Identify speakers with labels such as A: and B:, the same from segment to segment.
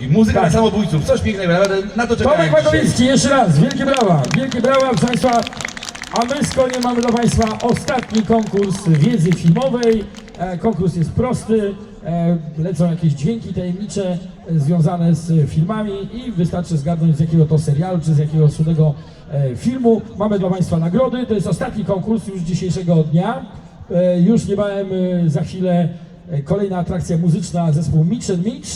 A: ludzi. Muzyka
B: Tak.
A: dla samobójców, coś pięknego, naprawdę na to czekałem
B: Tomek
A: dzisiaj.
B: Makowiecki, jeszcze raz, wielkie brawa, proszę Państwa. A my z koniem mamy dla Państwa ostatni konkurs wiedzy filmowej. Konkurs jest prosty, lecą jakieś dźwięki tajemnicze związane z filmami i wystarczy zgadnąć z jakiego to serialu czy z jakiego cudego filmu. Mamy dla Państwa nagrody, to jest ostatni konkurs już dzisiejszego dnia. Już niebawem za chwilę kolejna atrakcja muzyczna, zespół Mitch & Mitch.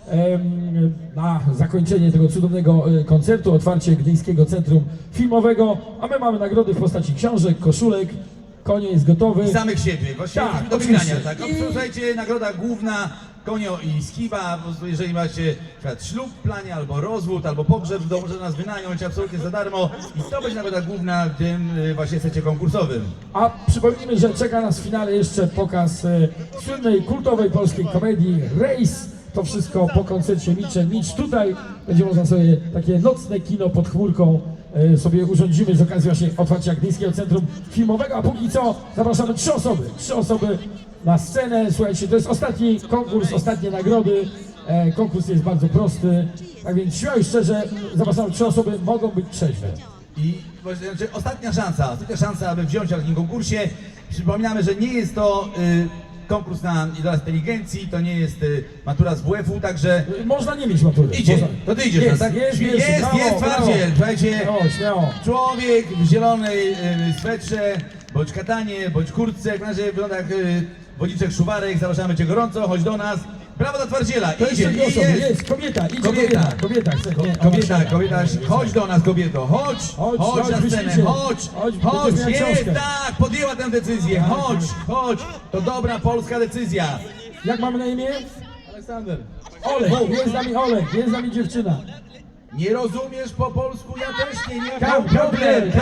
B: Na zakończenie tego cudownego koncertu, otwarcie Gdyńskiego Centrum Filmowego, a my mamy nagrody w postaci książek, koszulek, konie jest gotowy.
A: I samych siebie, właśnie
B: Tak,
A: do
B: oczywiście.
A: wygrania, tak.
B: I-
A: Słuchajcie, nagroda główna, konio i skiba, po prostu jeżeli macie na przykład ślub w planie, albo rozwód, albo pogrzeb, to może nas wynająć absolutnie za darmo i to będzie nagroda główna w tym właśnie secie konkursowym.
B: A przypomnijmy, że czeka nas w finale jeszcze pokaz słynnej, kultowej polskiej komedii Race. To wszystko po koncercie Mitch & Mitch. Tutaj będzie można sobie takie nocne kino pod chmurką sobie urządzimy z okazji właśnie otwarcia Gdyńskiego Centrum Filmowego, a póki co zapraszamy trzy osoby na scenę. Słuchajcie, to jest ostatni konkurs, ostatnie nagrody. Konkurs jest bardzo prosty, tak więc śmiało i szczerze zapraszamy trzy osoby, mogą być trzeźwe.
A: I właśnie, znaczy, ostatnia szansa, aby wziąć udział w tym konkursie. Przypominamy, że nie jest to konkurs na idolach inteligencji, to nie jest matura z WF-u, także
B: Można nie mieć matury.
A: idzie,
B: Można.
A: to ty idziesz,
B: Jest,
A: tak?
B: jest,
A: Jest twardziel, słuchajcie,
B: Śmiało.
A: człowiek w zielonej swetrze, bądź katanie, bądź kurtce, jak na razie wygląda jak Wodniczek Szuwarek, zapraszamy cię gorąco, chodź do nas. Brawo dla twardziela,
B: To
A: idzie,
B: jeszcze dwie osoby,
A: jest.
B: jest, kobieta, idzie
A: Kobieta.
B: kobieta, chce, nie,
A: Kobieta, chodź do nas kobieto, chodź na scenę,
B: wyślijcie.
A: chodź,
B: będziesz miała
A: jest,
B: książkę.
A: tak, podjęła tę decyzję, chodź, to dobra polska decyzja.
B: Jak mamy na imię?
A: Aleksander.
B: Olek, jest z nami Olek, jest z nami dziewczyna.
A: Nie rozumiesz po polsku, ja też nie,
B: Come
A: problem.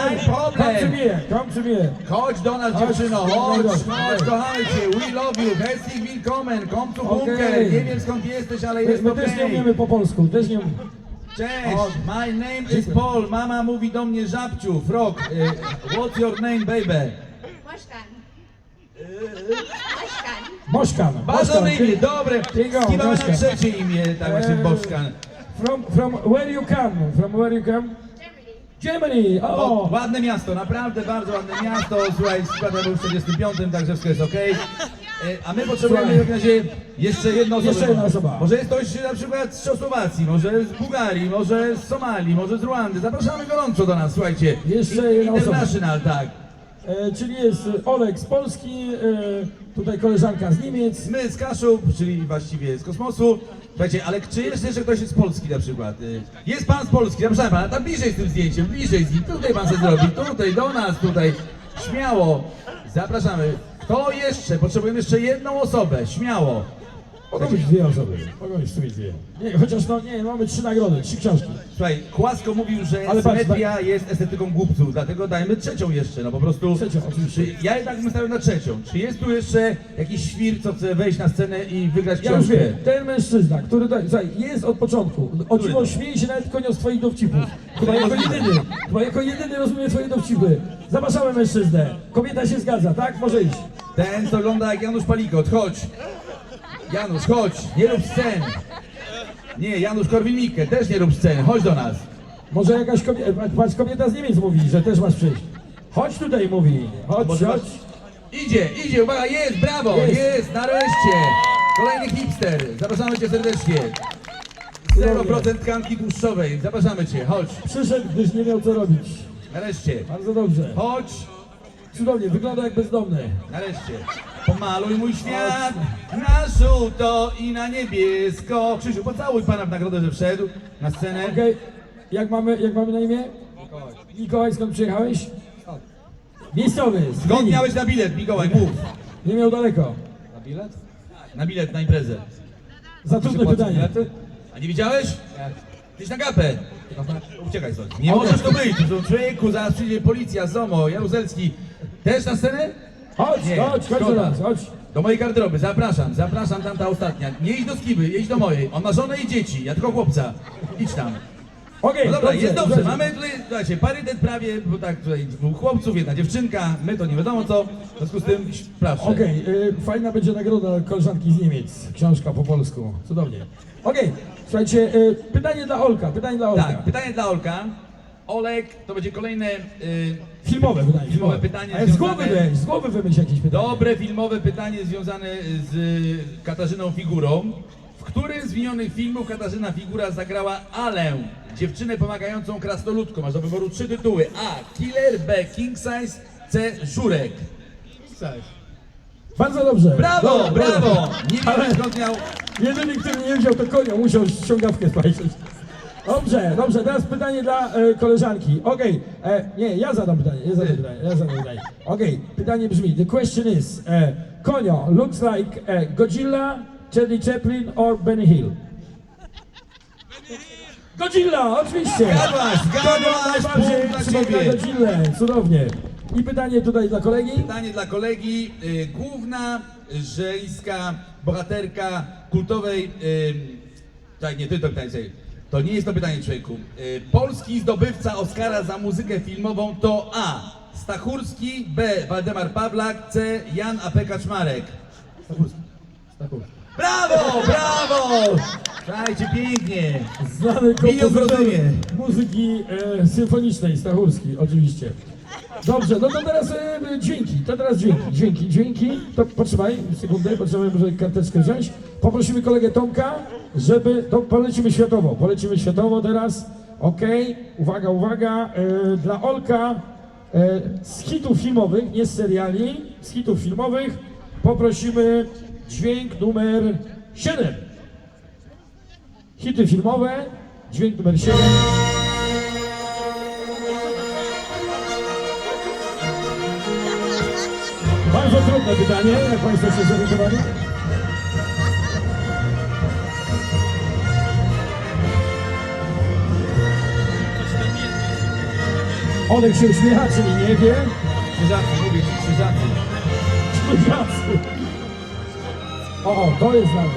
B: to me.
A: Chodź do nas dziewczyno, chodź, kochamy cię, we love you, herzlich willkommen, komm zu Bunker,
B: Okej.
A: nie wiem skąd jesteś, ale jest
B: My też nie
A: okej.
B: umiemy po polsku, też nie umiemy.
A: Cześć, my name is Paul, mama mówi do mnie żabciu, frog, what's your name baby?
C: Moszkan.
B: Moszkan.
A: Bardzo dobre imię, dobre,
B: Bingo,
A: skiwamy na
B: Moszkan.
A: trzecie imię, tak właśnie Boszkan.
B: From where you come? From where you come? Germany.
A: O, ładne miasto, naprawdę bardzo ładne miasto, słuchaj, składam był w 45, także wszystko jest okej. A my potrzebujemy w razie jeszcze jedną osobę.
B: Jeszcze jedna osoba.
A: Może jest ktoś na przykład z Czechosłowacji, może z Bułgarii, może z Somalii, może z Ruandy. Zapraszamy gorąco do nas, słuchajcie.
B: Jeszcze jedna osoba.
A: International, tak.
B: Czyli jest Olek z Polski, tutaj koleżanka z Niemiec.
A: My z Kaszub, czyli właściwie z kosmosu. Słuchajcie, ale czy jest jeszcze ktoś z Polski na przykład? Jest pan z Polski, zapraszamy pana, tam bliżej z tym zdjęciem, bliżej z nim. Tutaj pan sobie zrobi, tutaj, do nas, tutaj. Śmiało, zapraszamy. Kto jeszcze? Potrzebujemy jeszcze jedną osobę, śmiało.
B: Mogą być dwie osoby, mogą być w sumie dwie. Nie, chociaż mamy trzy nagrody, trzy książki.
A: Słuchaj, Kłasko mówił, że
B: Ale patrz,
A: symetria jest estetyką głupców, dlatego dajmy trzecią jeszcze, no po prostu.
B: Trzecią, oczywiście.
A: Ja jednak bym stawiał na trzecią. Czy jest tu jeszcze jakiś świr, co chce wejść na scenę i wygrać
B: Ja już
A: książkę?
B: wiem, ten mężczyzna, który tutaj, słuchaj, jest od początku. O
A: Który
B: dziwo
A: to?
B: śmieje się nawet konio z twoich dowcipów. Chyba jako jedyny rozumie twoje dowcipy. Zapraszamy mężczyznę. Kobieta się zgadza, tak? Może iść.
A: Ten, co wygląda jak Janusz Palikot, chodź. Janusz, chodź, nie rób scen. Nie, Janusz Korwin-Mikke, też nie rób scen, chodź do nas.
B: Może jakaś kobieta, patrz, kobieta z Niemiec mówi, że też masz przyjść. Chodź tutaj, mówi. Chodź,
A: Może
B: chodź.
A: Idzie, uwaga, jest, brawo, jest, nareszcie. Kolejny hipster, zapraszamy cię serdecznie. 0% tkanki tłuszczowej, zapraszamy cię, chodź,
B: Przyszedł, gdyż nie miał co robić.
A: nareszcie.
B: Bardzo dobrze.
A: Chodź,
B: Cudownie, wygląda jak bezdomny.
A: nareszcie. Pomaluj mój świat na żółto i na niebiesko. Krzysiu, pocałuj pana w nagrodę, że wszedł na scenę.
B: Okej, jak mamy na imię? Mikołaj. Mikołaj, skąd przyjechałeś? Miejscowy. z
A: Skąd
B: Gdyni.
A: miałeś na bilet, Mikołaj, mów.
B: Nie miał daleko.
A: Na bilet na imprezę.
B: Za trudne pytanie.
A: A nie widziałeś? Gdzieś na gapę. Uciekaj stąd. Nie możesz to być. To człowieku, zaraz przyjdzie policja, ZOMO, Jaruzelski. Też na scenę?
B: Chodź
A: Nie,
B: do
A: szkoda.
B: nas, chodź.
A: Do mojej garderoby, zapraszam tamta ostatnia. Nie idź do Skiby, jedź do mojej. On ma żonę i dzieci, ja tylko chłopca. Idź tam.
B: Okej,
A: No dobra, jest dobrze.
B: słuchajcie.
A: Mamy tutaj, słuchajcie, parytet prawie, bo tak tutaj dwóch chłopców, jedna dziewczynka, my to nie wiadomo co. W związku z tym, proszę.
B: Okej, fajna będzie nagroda koleżanki z Niemiec. Książka po polsku. Cudownie. Okej, Słuchajcie, pytanie dla Olka,
A: Tak, pytanie dla Olka. Olek, to będzie kolejne
B: Filmowe pytanie.
A: Filmowe pytanie
B: Ale
A: związane-
B: z głowy wymyśl jakieś pytanie.
A: dobre filmowe pytanie związane z Katarzyną Figurą. W którym z wymienionych filmów Katarzyna Figura zagrała Alę, dziewczynę pomagającą krasnoludkom? Masz do wyboru 3 tytuły. A. Killer, B. King Size, C. Żurek.
B: Bardzo dobrze.
A: Brawo,
B: Dobra,
A: brawo!
B: dobra.
A: Nie
B: Ale
A: wiem skąd miał...
B: jedyny, który nie wziął, to Konio, musiał ściągawkę spajrzeć. Dobrze, teraz pytanie dla koleżanki. Okej, nie, ja zadam pytanie. Okej, pytanie brzmi, the question is, Konio looks like Godzilla, Charlie Chaplin or Benny Hill? Godzilla, oczywiście!
A: Zgadłaś,
B: Konio
A: punkt
B: najbardziej
A: dla
B: przypomina
A: ciebie.
B: Godzillę, cudownie. I pytanie tutaj dla kolegi.
A: Pytanie dla kolegi. Główna żeńska bohaterka kultowej... Tak, nie, to pytanie sobie. To nie jest to pytanie, człowieku. Polski zdobywca Oscara za muzykę filmową to A. Stachurski, B. Waldemar Pawlak, C. Jan A.P. Kaczmarek.
B: Stachurski.
A: Brawo, brawo! Słuchajcie, pięknie.
B: Znany
A: Biją w
B: kompozytor
A: rozumie.
B: muzyki symfonicznej, Stachurski, oczywiście. Dobrze, no to teraz dźwięki. To potrzymaj sekundę, potrzebujemy może karteczkę wziąć. Poprosimy kolegę Tomka, to polecimy światowo teraz. Okej, uwaga, dla Olka z hitów filmowych, nie z seriali, z hitów filmowych poprosimy dźwięk numer 7. Hity filmowe, dźwięk numer 7. Bardzo trudne pytanie, jak Państwo się zorientowali. Olek się uśmiecha, czyli nie wie.
A: Krzyżacy, mówię ci, krzyżacy.
B: O, to jest znane.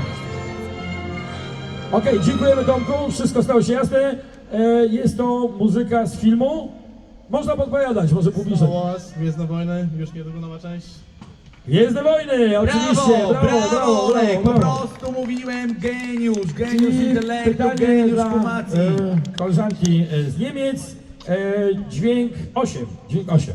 B: Okej, dziękujemy Tomku, wszystko stało się jasne. Jest to muzyka z filmu. Można podpowiadać, może
C: Star
B: publicznie.
C: Wars, Gwiezdne Wojny, już niedługo nowa część.
B: Gwiezdne Wojny, oczywiście,
A: Brawo, Olek, po
B: brawo.
A: prostu mówiłem geniusz
B: Czyli
A: intelektu,
B: pytanie
A: geniusz
B: dla
A: kumacji.
B: koleżanki z Niemiec, dźwięk 8. Dźwięk 8.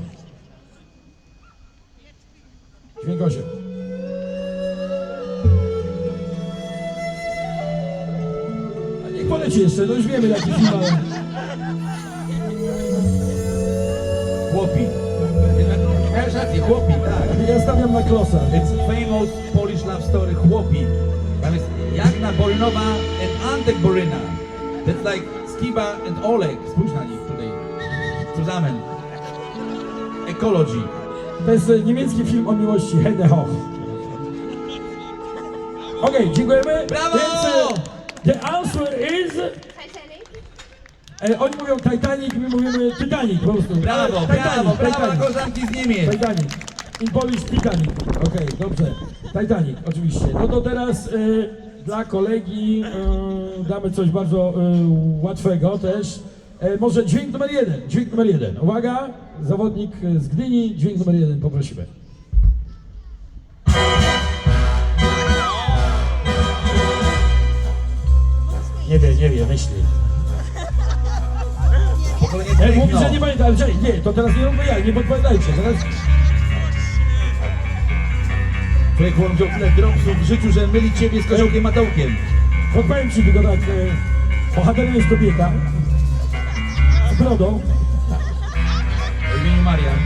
B: A niech poleci jeszcze, no już wiemy jaki film, ale...
A: Chłopi. Miałeś rację, chłopi, tak.
B: Ja stawiam na klosa.
A: It's famous Polish love story Chłopi. Tam jest Jagna Borynowa and Antek Boryna. That's like Skiba and Olek. Spójrz na nich tutaj. Zusammen. Ecology.
B: To jest niemiecki film o miłości, Henne Hoch. Okej, dziękujemy.
A: Brawo!
B: Więc the answer is...
D: Titanic?
B: Oni mówią Titanic, my mówimy Titanic po prostu.
A: Brawo, brawo, brawo dla koleżanki z Niemiec.
B: Titanic. In Polish Titanic. Okej, dobrze. Titanic, oczywiście. No to teraz dla kolegi damy coś bardzo łatwego też. Może dźwięk numer 1. Uwaga, zawodnik z Gdyni, dźwięk numer 1 poprosimy. Nie wie, myśli.
A: Pokolenie
B: Mówi,
A: techno.
B: że nie pamięta, ale czekaj, nie, to teraz nie róbmy jak, nie podpowiadajcie, teraz...
A: Człowiek wziął tyle dropsów w życiu, że myli ciebie z koziołkiem Matołkiem.
B: Podpowiem ci tylko tak, bohaterem jest kobieta z brodą,
A: O imieniu Marian.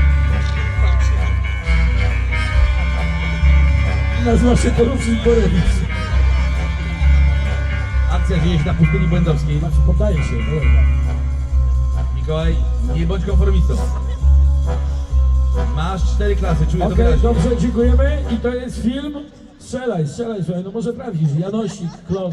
B: nazywa się Porucznik Borewicz.
A: Akcja dzieje się na pustyni błędowskiej.
B: Znaczy, poddaje się, dobra.
A: Mikołaj, nie bądź konformistą. Masz 4 klasy, czuję to
B: Okej,
A: wyraźnie.
B: dobrze, dziękujemy i to jest film. Strzelaj, słuchaj, no może trafisz, Janosik, Klos.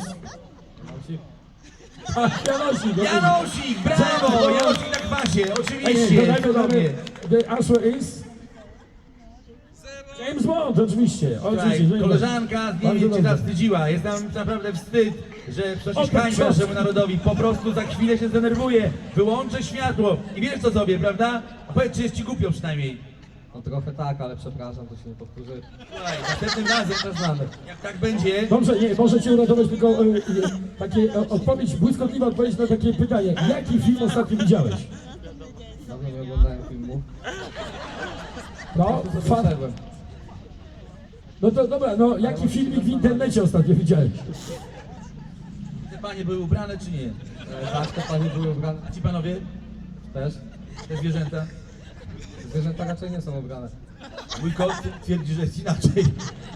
B: Tak, Janosik. okej.
A: Janosik, brawo! Janosik na kwasie,
B: Ej,
A: oczywiście.
B: dodajmy,
A: cudownie.
B: the answer is... James Bond, oczywiście.
A: Słuchaj,
B: James Bond.
A: koleżanka z
B: Bardzo
A: Niemiec cię
B: dobrze.
A: zawstydziła. Jest nam naprawdę wstyd, że ktoś
B: O, tak,
A: hańba
B: cios.
A: naszemu narodowi. Po prostu za chwilę się zdenerwuje. Wyłączę światło i wiesz co zrobię, prawda? A powiedz, czy jest ci głupio przynajmniej.
D: No trochę tak, ale przepraszam, to się nie powtórzy.
A: Słuchaj, następnym razem,
D: Znamy.
A: jak tak będzie,
B: Dobrze, nie, może cię uratować tylko takie odpowiedź, błyskotliwa odpowiedź na takie pytanie. Jaki film ostatnio widziałeś?
D: Dawno nie oglądałem filmu.
B: No,
D: Tu sobie
B: fan.
D: wszedłem.
B: No to dobra, no jaki filmik w internecie ostatnio widziałeś?
A: te panie były ubrane czy nie?
D: Tak, te panie były ubrane
A: A ci panowie,
D: też.
A: te zwierzęta?
D: Zwierzęta raczej nie są ubrane.
A: Mój kot twierdzi, że jest inaczej.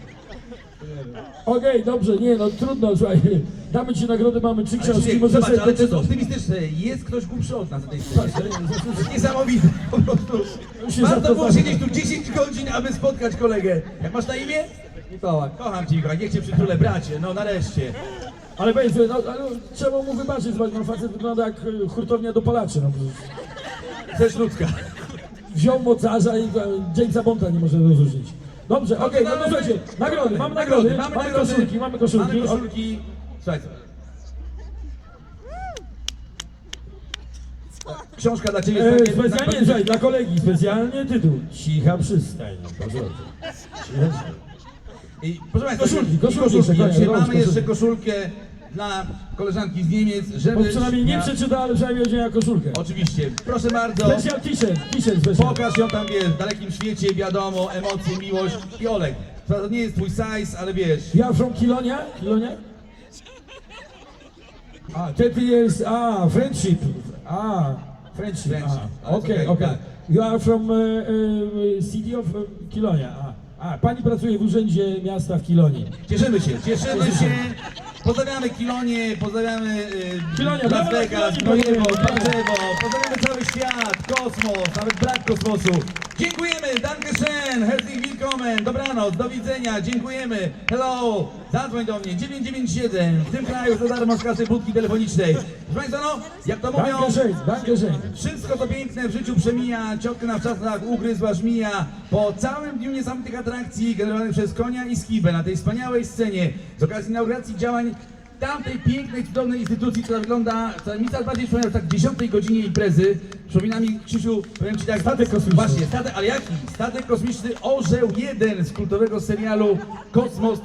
B: Okej, dobrze, nie no trudno, słuchaj, damy ci nagrodę, mamy 3
A: Ale
B: książki,
A: Krzysiek,
B: może
A: zobacz,
B: sobie
A: ale to jest
B: poczytać.
A: optymistyczne. Jest ktoś głupszy od nas na tej scenie. To jest niesamowite, po prostu.
B: się
A: Warto było
B: zapoznać.
A: siedzieć tu 10 godzin, aby spotkać kolegę. Jak masz na imię?
D: Mikołaj.
A: Kocham cię, Mikołaj, niech cię przytulę, bracie, no nareszcie.
B: Ale weź, no ale trzeba mu wybaczyć, zobacz, no facet wygląda jak hurtownia dopalaczy, no.
A: Też ludzka.
B: Wziął mocarza i Jamesa Bonda nie może rozróżnić. Dobrze, okej, no to słuchajcie, nagrody, mamy nagrody, mamy koszulki, mamy koszulki.
A: Mamy koszulki. Słuchaj, książka dla ciebie.
B: Specjalnie, słuchaj, dla kolegi, specjalnie tytuł. Cicha przystań. Proszę bardzo. Cicha przystań.
A: I proszę Państwa,
B: Koszulki,
A: koszulki.
B: jeszcze,
A: Dzisiaj
B: kochani,
A: mamy jeszcze
B: koszulki.
A: koszulkę dla koleżanki z Niemiec, żeby...
B: Bo przynajmniej nie
A: miała-
B: przeczyta, ale przynajmniej odzienia koszulkę.
A: Oczywiście, proszę bardzo.
B: Special t-shirt special.
A: Pokaż ją tam, wiesz, w dalekim świecie, wiadomo, emocje, miłość. I Olek, to nie jest twój size, ale wiesz,
B: Ja from Kilonia? Kilonia? 30 years, friendship. Friendship.
A: Friendship.
B: Okay,
A: Okay,
B: okay.
A: tak.
B: You are from city of Kilonia. Pani pracuje w urzędzie miasta w Kilonii.
A: cieszymy się. Pozdrawiamy Kilonie, pozdrawiamy
B: Kilonia,
A: Las
B: brawo,
A: Vegas,
B: Kilonii,
A: Gnojewo,
B: brawo.
A: Bardzewo, pozdrawiamy cały świat, kosmos, nawet brak kosmosu. Dziękujemy, danke schön, herzlich willkommen, dobranoc, do widzenia, dziękujemy, hello, zadzwoń do mnie, 997, w tym kraju za darmo z kasy budki telefonicznej. Proszę Państwa, no, jak to mówią,
B: Danke schön.
A: wszystko to piękne w życiu przemija, ciotka na wczasach ugryzła żmija. Po całym dniu niesamowitych atrakcji generowanych przez Konia i Skibę na tej wspaniałej scenie z okazji inauguracji działań tamtej pięknej, cudownej instytucji, która wygląda, która mi coraz bardziej przypomina tak 10 godzinie imprezy. Przypomina mi, Krzysiu, powiem Ci tak,
B: Statek kosmiczny.
A: Właśnie, statek, ale jaki? Statek kosmiczny Orzeł 1 z kultowego serialu Kosmos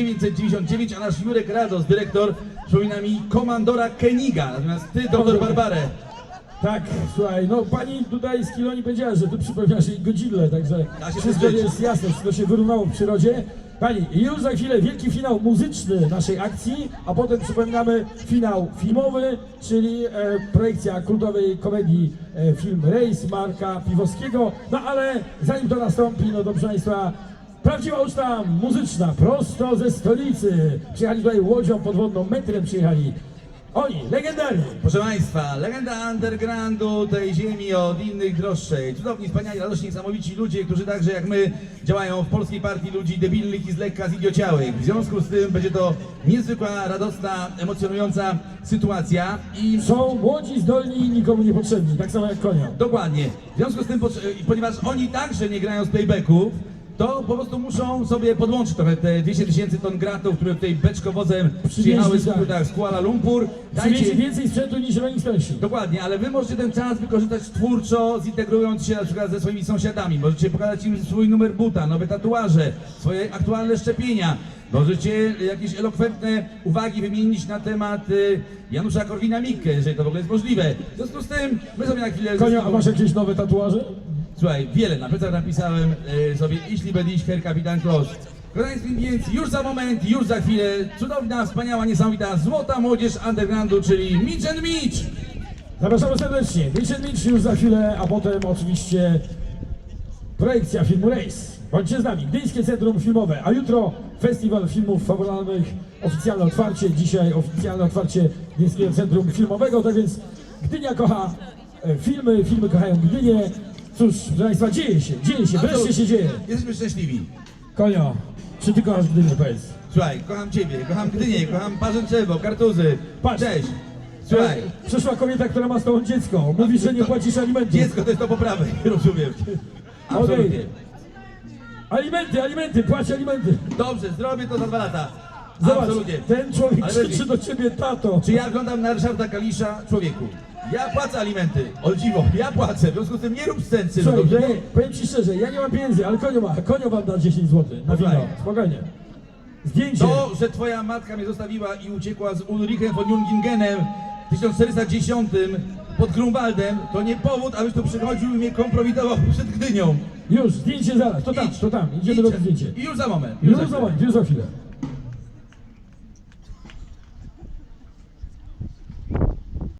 A: 1999, a nasz Jurek Rados, dyrektor, przypomina mi komandora Keniga, natomiast Ty, doktor Barbarę.
B: Tak, słuchaj, no pani tutaj z Kilonii powiedziała, że ty przypomniasz jej Godzillę, także
A: Da się
B: wszystko
A: zżyć.
B: jest jasne, wszystko się wyrównało w przyrodzie. Pani, już za chwilę wielki finał muzyczny naszej akcji, a potem przypominamy finał filmowy, czyli projekcja kultowej komedii film Rejs Marka Piwowskiego. No ale zanim to nastąpi, no to proszę Państwa, prawdziwa uczta muzyczna, prosto ze stolicy. Przyjechali tutaj łodzią podwodną, metrem przyjechali. Oni, legendarni.
A: Proszę Państwa, legenda undergroundu tej ziemi od innych droższej. Cudowni, wspaniali, radośni, niesamowici ludzie, którzy także jak my działają w Polskiej Partii Ludzi Debilnych i z lekka zidiociałych. W związku z tym będzie to niezwykła, radosna, emocjonująca sytuacja i
B: Są młodzi, zdolni i nikomu niepotrzebni, tak samo jak Konia.
A: dokładnie. W związku z tym, ponieważ oni także nie grają z playbacków, to po prostu muszą sobie podłączyć trochę te 200 000 ton gratów, które tutaj beczkowozem przyjechały z Kuala Lumpur.
B: Przywieźli więcej sprzętu niż Rolling Stonesi.
A: Dokładnie, ale wy możecie ten czas wykorzystać twórczo, zintegrując się na przykład ze swoimi sąsiadami. Możecie pokazać im swój numer buta, nowe tatuaże, swoje aktualne szczepienia. Możecie jakieś elokwentne uwagi wymienić na temat Janusza Korwina-Mikke, jeżeli to w ogóle jest możliwe. W związku z tym, my sobie na chwilę...
B: Konia, a masz jakieś nowe tatuaże?
A: Słuchaj, wiele, na plecach napisałem sobie Jeśli będziesz Herr Kapitan Kloss. Kochani, więc już za moment, już za chwilę, cudowna, wspaniała, niesamowita, złota młodzież undergroundu, czyli Mitch and Mitch!
B: Zapraszamy serdecznie. Mitch już za chwilę, a potem oczywiście projekcja filmu Rejs. Bądźcie z nami. Gdyńskie Centrum Filmowe, a jutro Festiwal Filmów Fabularnych, oficjalne otwarcie. Dzisiaj oficjalne otwarcie Gdyńskiego Centrum Filmowego. Tak więc Gdynia kocha filmy, filmy kochają Gdynię. Cóż, proszę Państwa, dzieje się, wreszcie się dzieje.
A: Jesteśmy szczęśliwi.
B: Konio, czy ty kochasz Gdynię, powiedz?
A: Słuchaj, kocham Ciebie, kocham Gdynię, kocham Parzęczewo, Kartuzy.
B: Patrz.
A: Cześć. Słuchaj,
B: Przyszła kobieta, która ma z tobą dziecko. Mówi, że nie płacisz alimentów.
A: dziecko to jest do poprawy, rozumiem. Absolutnie.
B: Alimenty, płać alimenty.
A: Dobrze, zrobię to za 2 lata.
B: Zobacz,
A: Absolutnie.
B: ten człowiek
A: Ale
B: krzyczy
A: Berlin,
B: do ciebie tato.
A: czy ja oglądam na Ryszarda Kalisza? Człowieku, ja płacę alimenty, o dziwo, ja płacę, w związku z tym nie rób scen, synu,
B: Słuchaj,
A: dobrze?
B: powiem ci szczerze, ja nie mam pieniędzy, ale konio ma. Konio wam da 10 zł na wino.
A: Spokojnie.
B: Spokojnie. Zdjęcie.
A: To, że twoja matka mnie zostawiła i uciekła z Ulrichem von Jungingenem w 1410 pod Grunwaldem, to nie powód, abyś tu przychodził i mnie kompromitował przed Gdynią.
B: Już, zdjęcie zaraz. To tam,
A: Idź,
B: to tam. Idziemy
A: idź.
B: do zdjęcia.
A: I już za moment.
B: Już
A: za
B: za
A: chwilę.
B: moment, już za chwilę.